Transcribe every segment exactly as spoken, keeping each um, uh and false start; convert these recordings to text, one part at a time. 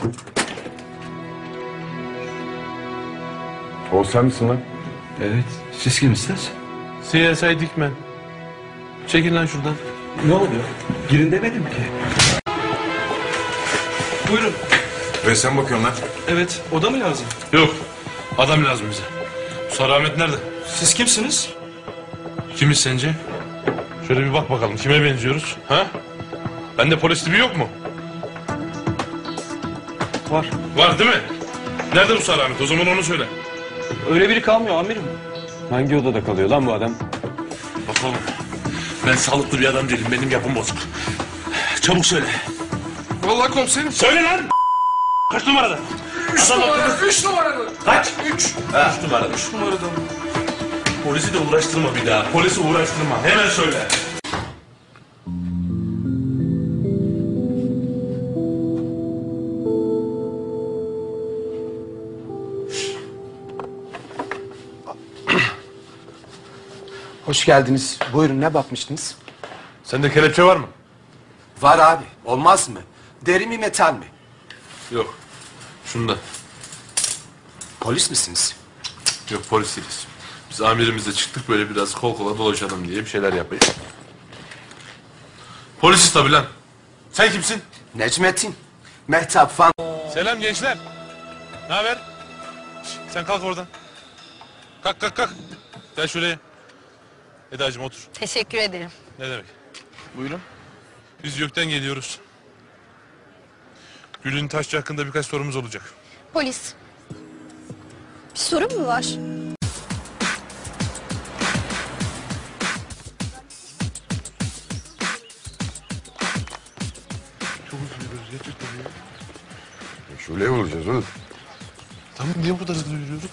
O sen misin lan? Evet. Siz kimsiniz? C S I Dikmen. Çekil lan şuradan. Ne oluyor? Girin demedim ki. Buyurun. Ve sen bakıyorsun lan. Evet. Oda mı lazım? Yok. Adam lazım bize. Sarı Ahmet nerede? Siz kimsiniz? Kimiz sence? Şöyle bir bak bakalım. Kime benziyoruz? Ha? Bende polis tipi yok mu? Var. Var değil mi? Nerede bu Sarı Ahmet? O zaman onu söyle. Öyle biri kalmıyor amirim. Hangi odada kalıyor lan bu adam? Bak oğlum. Ben sağlıklı bir adam değilim. Benim yapım bozuk. Çabuk söyle. Vallahi komiserim. Söyle lan! Kaç numarada? Üç Adam numara, akıllı. üç numaralı. Kaç? Üç. Ha, üç numarada. Üç numarada. Polisi de uğraştırma bir daha. Polisi uğraştırma. Hemen söyle. Hoş geldiniz. Buyurun, ne bakmıştınız? Sende kelepçe var mı? Var abi. Olmaz mı? Deri mi, metal mi? Yok. Şunda. Polis misiniz? Yok, polis değiliz. Biz amirimizle çıktık böyle biraz kol kola dolaşalım diye bir şeyler yapayım. Polisiz tabii lan. Sen kimsin? Necmettin. Mehtap fan. Selam gençler. Ne haber? Şş, sen kalk oradan. Kalk kalk kalk. Gel şuraya. Eda'cığım otur. Teşekkür ederim. Ne demek? Buyurun. Biz YÖK'ten geliyoruz. Gül'ün Taşçı hakkında birkaç sorumuz olacak. Polis. Bir sorun mu var? Şöyle olacağız oğlum. Tamam, niye bu kadar hızlı yürüyoruz?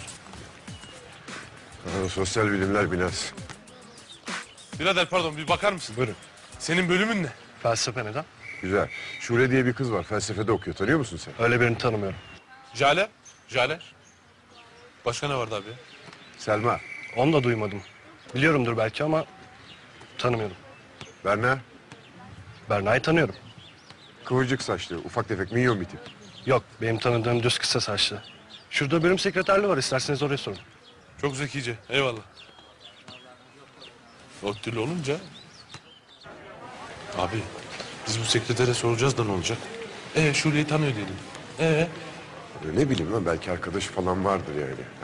Ha, sosyal bilimler binası. Birader pardon, bir bakar mısın? Buyurun. Senin bölümün ne? Felsefe neden? Güzel. Şule diye bir kız var. Felsefede okuyor. Tanıyor musun sen? Öyle birini tanımıyorum. Jale? Jale? Başka ne vardı abi? Selma. Onu da duymadım. Biliyorumdur belki ama tanımıyorum. Berna. Berna'yı tanıyorum. Kıvırcık saçlı. Ufak tefek minyon bir tip. Yok, benim tanıdığım düz kısa saçlı. Şurada bölüm sekreterliği var, isterseniz oraya sorun. Çok zekice. Eyvallah. Ottül olunca... Abi, biz bu sekretere soracağız da ne olacak? Ee, Şule'yi tanıyor dedim. Ee? Ya ne bileyim lan, belki arkadaşı falan vardır yani. Ha.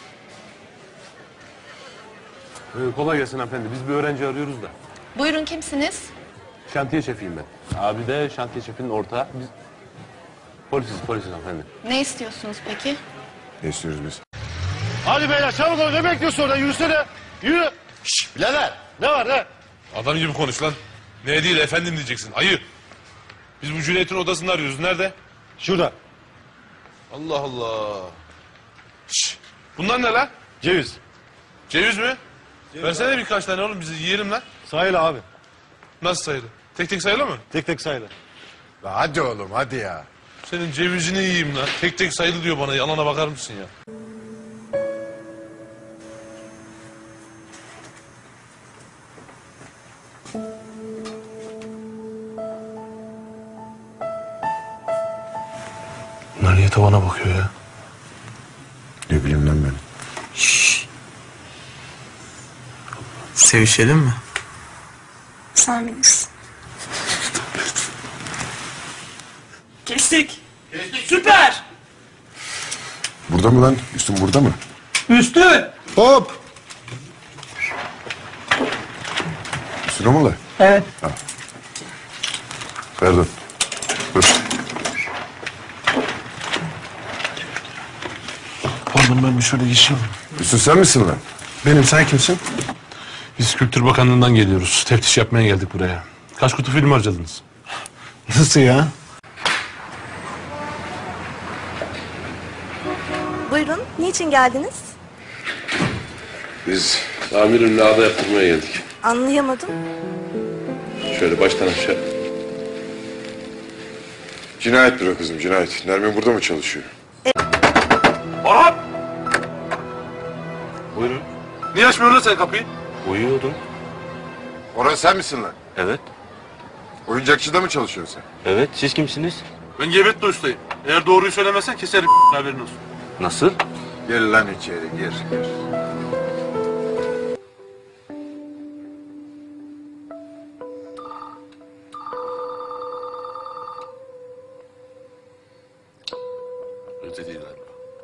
Ee, kolay gelsin hanımefendi. Biz bir öğrenci arıyoruz da. Buyurun, kimsiniz? Şantiye şefiyim ben. Abi de şantiye şefinin ortağı. Biz polisiz, polisiz hanımefendi. Ne istiyorsunuz peki? Ne istiyoruz biz? Hadi beyler çabuk olun, ne bekliyorsun orada? Yürüsene, yürü. Şşş, birader, ne var ne? Adam gibi konuş lan. Ne değil efendim diyeceksin. Ayı. Biz bu Cüneyt'in odasını arıyoruz. Nerede? Şurada, Allah Allah. Şş, bunlar ne lan? ceviz. Ceviz mi? Versene birkaç tane oğlum, bizi yiyelim lan. Sayılı abi, Nasıl sayılı? Tek tek sayılı mı? tek tek sayılı. La hadi oğlum, hadi ya. Senin cevizini yiyeyim lan. Tek tek sayılı diyor bana. Yalana bakar mısın ya? Bunlar niye tavana bakıyor ya? Ne bileyim lan ben. Sevişelim mi? Sen bilirsin. Kestik. Süper. Burada mı lan? Üstün burada mı? Üstün. Hop! Üstüne mi lan? Evet. Pardon. Dur. Pardon, ben bir şöyle geçeyim. Üstün sen misin lan? Benim, sen kimsin? Biz Kültür Bakanlığı'ndan geliyoruz. Teftiş yapmaya geldik buraya. Kaç kutu film harcadınız? Nasıl ya? Buyurun, niçin geldiniz? Biz amirimle ağda yaptırmaya geldik. Anlayamadım. Şöyle baştan aşağı. Cinayet büro kızım, cinayet. Nermin burada mı çalışıyor? Orhan! Buyurun. Niye açmıyorsun lan sen kapıyı? Uyuyordum. Orhan sen misin lan? Evet. Oyuncakçıda mı çalışıyorsun sen? Evet, siz kimsiniz? Ben Gebetli ustayım. Eğer doğruyu söylemezsen keserim haberin olsun. Nasıl? Gir lan içeri gir gir. Öte değil galiba.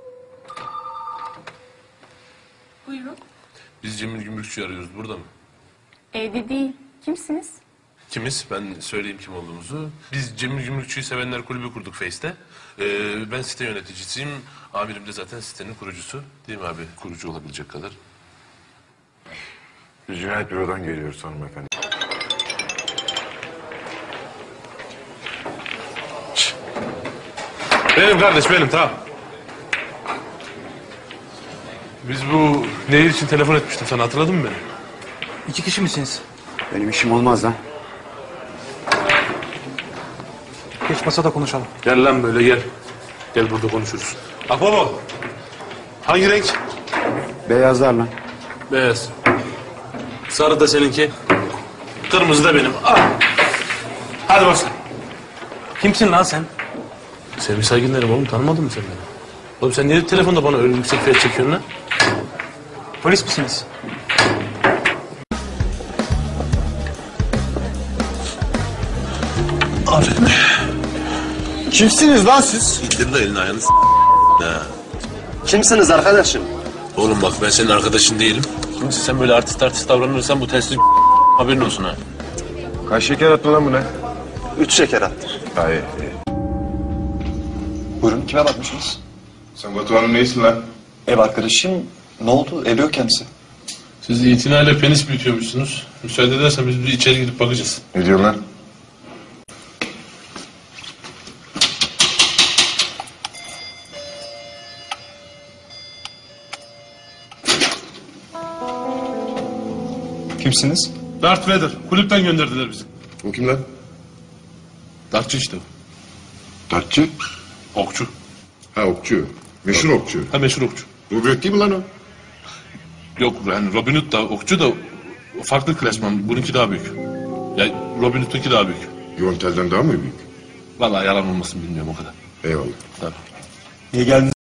Buyurun. Biz Cemil Gümrükçü'yü arıyoruz. Burada mı? Evde değil. Kimsiniz? Kimiz? Ben söyleyeyim kim olduğumuzu. Biz Cemil Gümrükçü'yü sevenler kulübü kurduk Face'te. Ee, ben site yöneticisiyim. Amirim de zaten sitenin kurucusu. Değil mi abi? Kurucu olabilecek kadar. Biz cinayet bürodan geliyoruz hanımefendi. Benim kardeş benim tamam. Biz bu nehir için telefon etmiştim sana, hatırladın mı beni? İki kişi misiniz? Benim işim olmaz lan. Geç masada konuşalım. Gel lan böyle gel. Gel burada konuşuruz. Akbaba. Hangi renk? Beyazlar lan. Beyaz. Sarı da seninki. Kırmızı da benim. Ah. Hadi başla. Kimsin lan sen? Sevgi saygınlarım oğlum, tanımadın mı sen beni? Oğlum sen niye telefonda bana öyle yüksek fiyat çekiyorsun lan? Polis misiniz? Kimsiniz lan siz? İndir de elini ayağını s***. Ha. Kimsiniz arkadaşım? Oğlum bak ben senin arkadaşın değilim. Şimdi sen böyle artist artist davranırsan bu telsiz haberin olsun ha. Kaç şeker attı lan bu ne? Üç şeker attı. Hayır. Buyurun, kime bakmışsınız? Sen Batuhan'ın neysin lan? Ev arkadaşım. Ne oldu? Ev yok kendisi. Siz itinayla penis büyütüyormuşsunuz. Müsaade edersen biz bir içeri gidip bakacağız. Ne diyorsun lan? Kimsiniz? Darth Vader. Kulüpten gönderdiler bizi. O kim lan? Dartçı işte. Dartçı? Okçu. Ha okçu. Meşhur okçu. Ha meşhur okçu. Rubret değil mi lan o? Yok yani Robin Hood da okçu da farklı klasman. Bununki daha büyük. Ya Robin Hood'unki daha büyük. Yontel'den daha mı büyük? Vallahi yalan olmasın bilmiyorum o kadar. Eyvallah. Tabii. Niye geldiniz